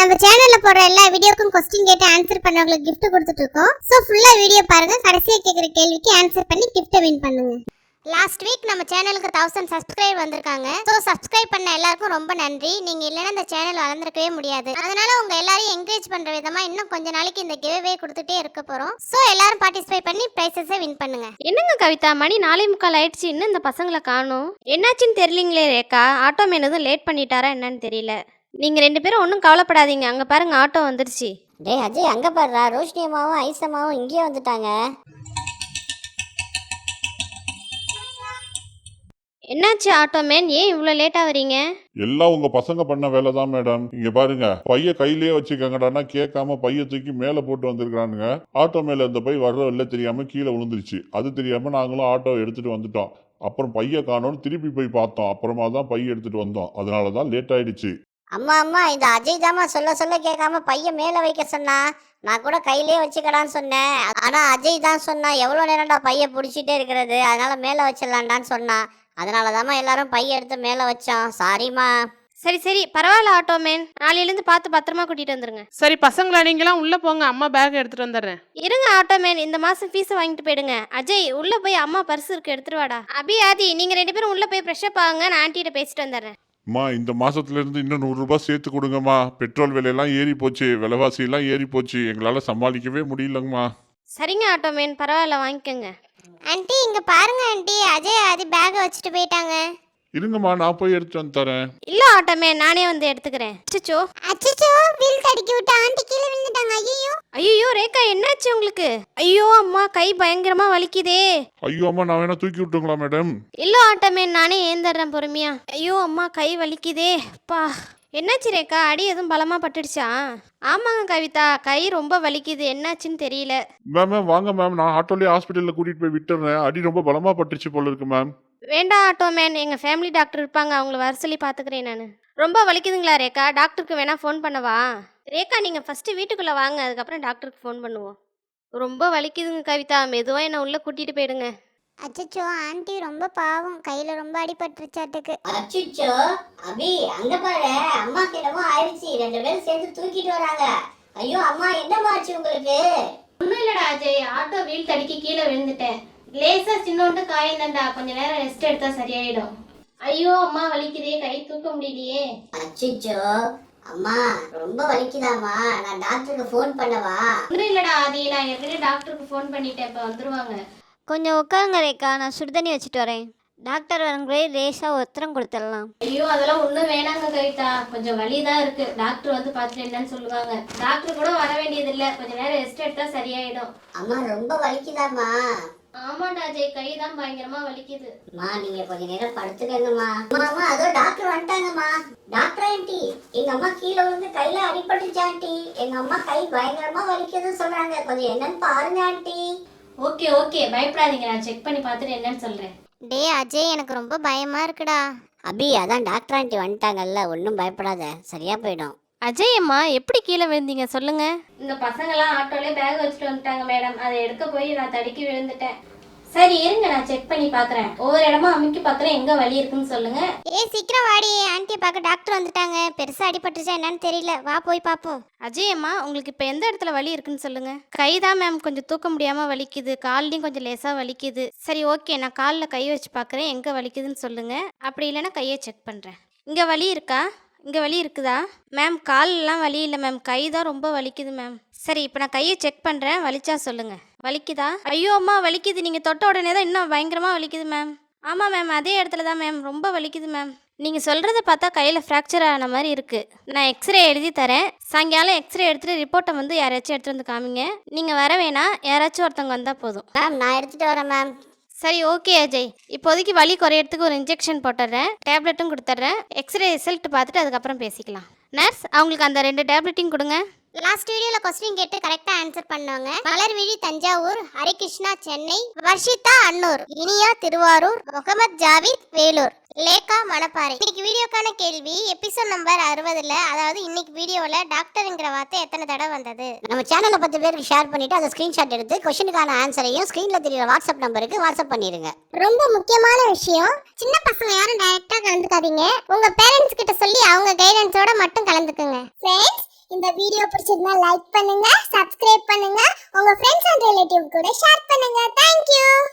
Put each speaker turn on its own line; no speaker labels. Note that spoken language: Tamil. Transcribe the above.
நம்ம சேனல்ல போடுற எல்லா வீடியோக்கும் क्वेश्चन கேட்டு ஆன்சர் பண்ணவங்களுக்கு gift கொடுத்துட்டு இருக்கோம். சோ ஃபுல்லா வீடியோ பாருங்க, கடைசியா கேக்குற கேள்விக்கு ஆன்சர் பண்ணி gift வின் பண்ணுங்க. லாஸ்ட் வீக் நம்ம சேனலுக்கு 1000 சப்ஸ்கிரைபர் வந்திருக்காங்க. சோ சப்ஸ்கிரைப் பண்ண எல்லாருக்கும் ரொம்ப நன்றி. நீங்க இல்லனா இந்த சேனல் வளர்ந்திருக்கவே முடியாது. அதனால உங்க எல்லாரையும் என்கரேஜ் பண்ற விதமா இன்னும் கொஞ்ச நாளைக்கு இந்த கிவ்அவே கொடுத்துட்டே இருக்க போறோம். சோ எல்லாரும் பார்ட்டிசிபேட் பண்ணி பிரைஸஸை வின் பண்ணுங்க.
என்னங்க கவிதா, மணி 4:45 ஆயிடுச்சு, இன்னும் இந்த பசங்களை காணோம். என்னாச்சுன்னு தெரியலீங்களே ரேகா. ஆட்டோ மேன் எதுவும் லேட் பண்ணிட்டாரா என்னன்னு தெரியல. நீங்க 2 பேரும் ஒன்றும் கவலைப்படாதீங்க, அங்க பாருங்க ஆட்டோ வந்துருச்சு.
டேய் அஜய், அங்க பாருடா, ரோஷினி அம்மாவும் ஐசம்மாவும் இங்கேயே வந்துட்டாங்க.
என்னாச்சு ஆட்டோ மேன், ஏன் இவ்வளோ லேட்டாக வரீங்க?
எல்லாம் உங்க பசங்க பண்ண வேலை தான் மேடம். இங்க பாருங்க, பைய கையிலேயே வச்சுக்கங்கடான்னா கேட்காம பைய தூக்கி மேல போட்டு வந்திருக்கானுங்க. ஆட்டோ மேல இந்த பை வர்ற இல்ல தெரியாம கீழே விழுந்துருச்சு. அது தெரியாம நாங்களும் ஆட்டோ எடுத்துட்டு வந்துட்டோம். அப்புறம் பைய காணோன்னு திருப்பி போய் பார்த்தோம். அப்புறமா தான் பைய எடுத்துட்டு வந்தோம். அதனாலதான் லேட் ஆயிடுச்சு.
அம்மா அம்மா, இந்த அஜய் தாமா சொல்ல கேட்காம பைய மேல வைக்க சொன்னா. நான் கூட கையிலேயே வச்சுக்கடான்னு சொன்னேன். ஆனா அஜய் தான் சொன்னா, எவ்வளவு நேரம்டா பைய பிடிச்சிட்டே இருக்கிறது, அதனால மேல வச்சிடலான்டான்னு சொன்னா. அதனாலதாம்மா எல்லாரும் பைய எடுத்து மேல வச்சோம். சாரிம்மா.
சரி பரவாயில்ல ஆட்டோ மேன், நாளையிலேருந்து பார்த்து பத்திரமா கூட்டிட்டு வந்துருங்க.
சரி பசங்களா, நீங்களாம் உள்ள போங்க, அம்மா பேக் எடுத்துட்டு வந்துடுறேன்.
இருங்க ஆட்டோ மேன், இந்த மாசம் ஃபீஸ் வாங்கிட்டு போயிடுங்க. அஜய் உள்ள போய் அம்மா பர்ஸ் இருக்கு எடுத்துட்டு வாடா. அபி ஆதி, நீங்க 2 பேரும் உள்ள போய் ஃப்ரெஷ்அப் ஆகுங்க, நான் ஆண்டிகிட்ட பேசிட்டு வந்துடுறேன்.
அம்மா, இந்த மாசத்துல இருந்து இன்னும் 100 ரூபாய் சேர்த்து கொடுங்கம்மா. பெட்ரோல் விலையெல்லாம் ஏறி போச்சு, விலைவாசி எல்லாம் ஏறி போச்சு, எங்களால சமாளிக்கவே முடியலங்கம்மா.
சரிங்க ஆட்டோ மேன், பரவாயில்ல வாங்கிக்கோங்க.
ஆண்டி இங்க பாருங்க ஆண்டி, அஜய் ஆதி பேக் வச்சுட்டு போயிட்டாங்க.
இருங்கம்மா, நான் போய் எடுத்து வந்து தரேன்.
இல்ல ஆட்டோ மேன், நானே வந்து எடுத்துக்கிறேன்.
அச்சச்சோ, வீல் தடுக்கி விட்டு ஆண்டி கீழே விழுந்துட்டாங்க.
ஐயோ ரேகா, என்னாச்சு உங்களுக்கு? ஐயோ அம்மா, கை பயங்கரமா வலிக்குதே.
ஐயோ அம்மா, நான் வேணா தூக்கி விட்டுங்களா மேடம்?
இல்ல ஆட்டோ மேன், நானே ஏந்தறேன் பொறுமையா. ஐயோ அம்மா, கை வலிக்குதே. பா, என்னாச்சு ரேகா, அடி எதுவும் பலமா பட்டுடுச்சா? ஆமாங்க கவிதா, கை ரொம்ப வலிக்குது, என்னாச்சுன்னு தெரியல.
மேம் வாங்க மேம், நான் ஆட்டோலயே ஹாஸ்பிட்டல்ல கூட்டிட்டு போய் விட்டுறேன். அடி ரொம்ப பலமா பட்டுச்சு போல இருக்கு மேம்.
வேண்டாம் ஆட்டோ மேன், எங்க ஃபேமிலி டாக்டர் இருப்பாங்க, அவங்கள வர சொல்லி பாத்துக்கிறேன் நான். ரொம்ப வலிக்குதுங்களா ரேகா? டாக்டருக்கு வேணா ஃபோன் பண்ணவா? ரேகா, நீங்க ஃபர்ஸ்ட் வீட்டுக்குள்ள வாங்க, அதுக்கப்புறம் டாக்டருக்கு ஃபோன் பண்ணுவோம். ரொம்ப வலிக்குதுங்க கவிதா, மெதுவா என்ன உள்ள கூட்டிட்டு போயிடுங்க.
அச்சச்சோ, ஆண்டி ரொம்ப பாவம், கையில ரொம்ப அடிபட்டுருச்சாட்டுக்கு.
அச்சோ அபி, அங்க பாரு, அம்மா கிட்டவும் ஆயிடுச்சு. 2 பேரும் சேர்ந்து தூக்கிட்டு வராங்க. ஐயோ அம்மா, என்னம்மா ஆச்சு உங்களுக்கு?
ஒன்றும் இல்லடா அஜய், ஆட்டோ வீல் தடுக்கி கீழே விழுந்துட்டேன். லேசா சின்னோண்டு காயந்தண்டா, கொஞ்ச நேரம் ரெஸ்ட் எடுத்தா சரியாயிடும். ஐயோ அம்மா வலிக்குதே, கை தூக்க முடியலையே.
அச்சோ அம்மா, ரொம்ப வலிக்குதாம்மா, நான் டாக்டருக்கு ஃபோன் பண்ணவா?
ஒன்றும் இல்லடா ஆதி, நான் ஏற்கனவே டாக்டருக்கு ஃபோன் பண்ணிட்டேன், இப்போ வந்துருவாங்க.
கொஞ்சம் உட்காருங்க ரேகா, நான் சுடுதண்ணி வச்சுட்டு வரேன். டாக்டர் வரங்களே லேசாக ஒத்தரம் கொடுத்துடலாம்.
ஐயோ அதெல்லாம் ஒன்றும் வேணாங்க கவிதா, கொஞ்சம் வலி தான் இருக்கு. டாக்டர் வந்து பார்த்துட்டு என்னன்னு சொல்லுவாங்க. டாக்டர் கூட வர வேண்டியது இல்லை, கொஞ்ச நேரம் ரெஸ்ட் எடுத்தா சரியாயிடும்.
அம்மா ரொம்ப வலிக்குதாம்மா?
ஆமாண்டா அஜய், கை தான் பயங்கரமா வலிக்குது.
அம்மா, நீங்க கொஞ்ச நேரம் படுத்துக்கங்கம்மா. அம்மா, அதோ டாக்டர் வந்துட்டாங்கம்மா. டாக்டர் ஆண்டி, எங்க அம்மா கீழே விழுந்து கையில அடிபட்டுச்சு ஆண்டி. எங்க அம்மா கை பயங்கரமா வலிக்குதுன்னு சொல்றாங்க, கொஞ்சம் என்னன்னு பாருங்க ஆண்டி.
ஓகே பயப்படாதீங்க, நான் செக் பண்ணி பார்த்துட்டு என்னன்னு சொல்றேன்.
டே அஜய், எனக்கு ரொம்ப பயமா இருக்குடா.
அபி, அதான் டாக்டர் ஆண்டி வந்துட்டாங்கல்ல, ஒன்றும் பயப்படாத, சரியா போயிடும்.
அஜய் அம்மா, எப்படி கீழே விழுந்தீங்க சொல்லுங்க? இந்த பசங்களாம் ஆட்டோலே பேக் வச்சுட்டு வந்துட்டாங்க மேடம், அதை எடுக்க போய் நான் தடுக்கி விழுந்துட்டேன். சரி இருங்க, நான் செக் பண்ணி பார்க்குறேன். ஒவ்வொரு இடமா அமுக்கி பார்க்குறேன், எங்கே வலி இருக்குன்னு சொல்லுங்க.
சீக்கிரம் வாடி, ஆண்டியை பார்க்க டாக்டர் வந்துட்டாங்க. பெருசா அடிபட்டுச்சா என்னன்னு தெரியல, வா போய் பார்ப்போம்.
அஜய் அம்மா, உங்களுக்கு இப்போ எந்த இடத்துல வலி இருக்குன்னு சொல்லுங்க. கை தான் மேம் கொஞ்சம் தூக்க முடியாம வலிக்குது, கால்லையும் கொஞ்சம் லேசா வலிக்குது. சரி ஓகே, நான் காலில் கை வச்சு பார்க்குறேன், எங்கே வலிக்குதுன்னு சொல்லுங்க. அப்படி இல்லைன்னா கையை செக் பண்ணுறேன். இங்கே வலி இருக்கா? இங்கே வலி இருக்குதா மேம்? காலெல்லாம் வலி இல்லை மேம், கை தான் ரொம்ப வலிக்குது மேம். சரி, இப்போ நான் கையை செக் பண்ணுறேன், வலிச்சா சொல்லுங்க. வலிக்குதா? ஐயோ அம்மா வலிக்குது, நீங்கள் தொட்ட உடனே தான் இன்னும் பயங்கரமாக வலிக்குது மேம். ஆமாம் மேம், அதே இடத்துல தான் மேம், ரொம்ப வலிக்குது மேம். நீங்கள் சொல்கிறத பார்த்தா கையில் ஃப்ராக்சர் ஆன மாதிரி இருக்குது. நான் எக்ஸ்ரே எழுதி தரேன், சாயங்காலம் எக்ஸ்ரே எடுத்துகிட்டு ரிப்போர்ட்டை வந்து யாராச்சும் எடுத்துகிட்டு வந்து காமிங்க. நீங்கள் வர வேணாம், யாராச்சும் ஒருத்தவங்க வந்தால் போதும்.
மேம், நான் எடுத்துட்டு வரேன் மேம்.
சரி ஓகே அஜய், இப்போதைக்கு வலி குறையறதுக்கு ஒரு இன்ஜெக்ஷன் போட்டுடுறேன், டேப்லெட்டும் கொடுத்துட்றேன். எக்ஸ்ரே ரிசல்ட் பார்த்துட்டு அதுக்கப்புறம் பேசிக்கலாம். நர்ஸ், அவங்களுக்கு அந்த 2 டேப்லெட்டையும் கொடுங்க.
லாஸ்ட் வீடியோல क्वेश्चन கேட்டு கரெக்ட்டா ஆன்சர் பண்ணவங்க மலர்விழி தஞ்சாவூர், ஹரிகிருஷ்ணா சென்னை, வர்ஷிதா அன்னூர், இனியா திருவாரூர், முகமது ஜாவித் வேலூர், லேகா மணப்பாறை. இன்னைக்கு வீடியோக்கான கேள்வி, எபிசோட் நம்பர் 60ல, அதாவது இன்னைக்கு வீடியோல டாக்டர்ங்கிற வார்த்தை எத்தனை தடவை வந்தது?
நம்ம சேனலை 10 பேருக்கு ஷேர் பண்ணிட்டு அதை ஸ்கிரீன்ஷாட் எடுத்து क्वेश्चनக்கான ஆன்சரையும் ஸ்கிரீன்ல தெரியுற வாட்ஸ்அப் நம்பருக்கு வாட்ஸ்அப் பண்ணிருங்க.
ரொம்ப முக்கியமான விஷயம், சின்ன பசங்க யாரும் டைரக்டா கலந்துக்காதீங்க. உங்க பேரண்ட்ஸ் கிட்ட சொல்லி அவங்க கைடன்ஸோட மட்டும் கலந்துக்குங்க. ஃப்ரெண்ட்ஸ், இந்த வீடியோ பிடிச்சிருந்தா லைக் பண்ணுங்க, சப்ஸ்கிரைப் பண்ணுங்க, உங்க ஃப்ரெண்ட்ஸ் அண்ட் ரிலேட்டிவ் கூட ஷேர் பண்ணுங்க. Thank you.